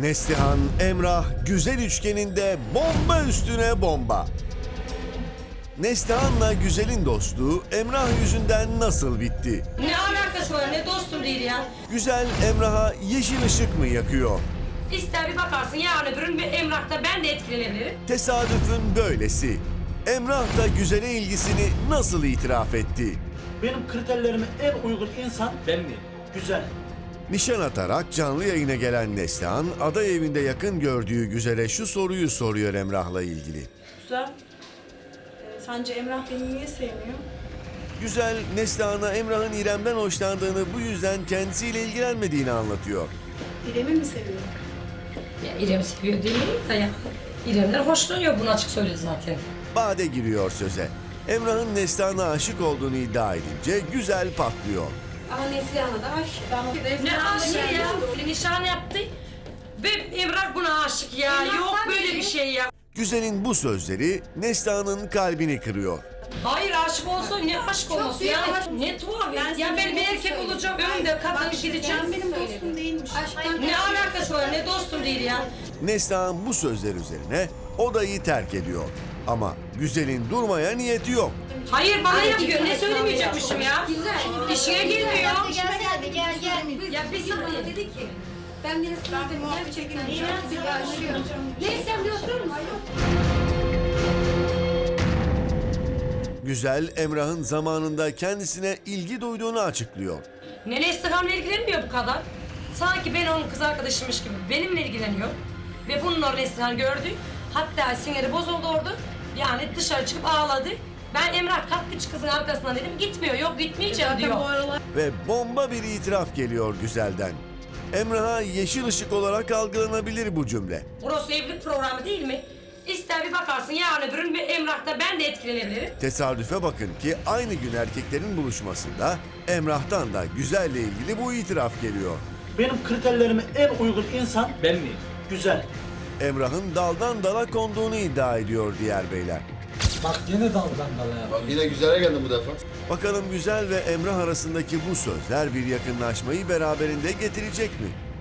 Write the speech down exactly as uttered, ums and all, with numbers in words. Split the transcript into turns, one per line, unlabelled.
Neslihan, Emrah, güzel üçgeninde bomba üstüne bomba. Neslihan'la güzelin dostluğu Emrah yüzünden nasıl bitti?
Ne alakası var, ne dostum değil ya.
Güzel Emrah'a yeşil ışık mı yakıyor?
İster bir bakarsın yarın öbür gün bir Emrah'ta ben de etkilenebilirim.
Tesadüfün böylesi. Emrah da güzele ilgisini nasıl itiraf etti?
Benim kriterlerime en uygun insan
Ben mi?
güzel.
Nişan atarak canlı yayına gelen Neslihan, aday evinde yakın gördüğü güzele şu soruyu soruyor Emrah'la ilgili.
Güzel. Ee, sence Emrah beni niye sevmiyor?
Güzel, Neslihan'a Emrah'ın İrem'den hoşlandığını, bu yüzden kendisiyle ilgilenmediğini anlatıyor.
İrem'i mi seviyor?
Ya İrem seviyor değil mi da ya. İrem'den hoşlanıyor, bunu açık söyledi zaten.
Bade giriyor söze. Emrah'ın Neslihan'a aşık olduğunu iddia edince Güzel patlıyor.
Ama Neslihan'a da aşık.
Ne aşık ya, nişan yaptı. Ve Emrah buna aşık ya,
Emrah
yok
sen
böyle
misin?
bir şey ya.
Güzel'in bu sözleri Neslihan'ın kalbini kırıyor.
Hayır aşık olsun, ne aşık olması
büyük
ya.
aşk.
Ne tuhaf ya,
Ben
ya
sana
ben bir
bunu
erkek
söyleyeyim.
olacağım, önümde kadın gideceğim.
Sen benim dostum değilmiş.
Aşktan
Ne alakası var, ne dostum değil ya.
Neslihan bu sözler üzerine odayı terk ediyor. Ama Güzel'in durmaya niyeti yok.
Hayır bana yapıyor, ne söylemeyecekmişim ya.
Güzel.
İşine gelmiyor.
Gelsene gel gel.
Ya bir
Sana
saniye.
dedi ki ben bir ısrar dedim gerçekten çok bir aşığım. Neyse sen bir oturur musun?
Güzel, Emrah'ın zamanında kendisine ilgi duyduğunu açıklıyor.
Ne Neslihan'la ilgilenmiyor bu kadar. Sanki ben onun kız arkadaşıymış gibi benimle ilgileniyor. Ve bununla Neslihan gördü. Hatta siniri bozuldu orada. Yani dışarı çıkıp ağladı. Ben Emrah kalktı kızın arkasından dedim gitmiyor, yok gitmeyeceğim diyor.
Ve bomba bir itiraf geliyor Güzel'den. Emrah'a yeşil ışık olarak algılanabilir bu cümle.
Burası evlilik programı değil mi? İster bir bakarsın yarın öbür gün bir Emrah'ta ben de etkilenebilirim.
Tesadüfe bakın ki aynı gün erkeklerin buluşmasında Emrah'tan da Güzel'le ilgili bu itiraf geliyor.
Benim kriterlerime en uygun insan
Ben mi?
güzel.
Emrah'ın daldan dala konduğunu iddia ediyor diğer beyler.
Bak yine daldan dala ya.
Bak yine güzele geldim bu defa.
Bakalım Güzel ve Emrah arasındaki bu sözler bir yakınlaşmayı beraberinde getirecek mi?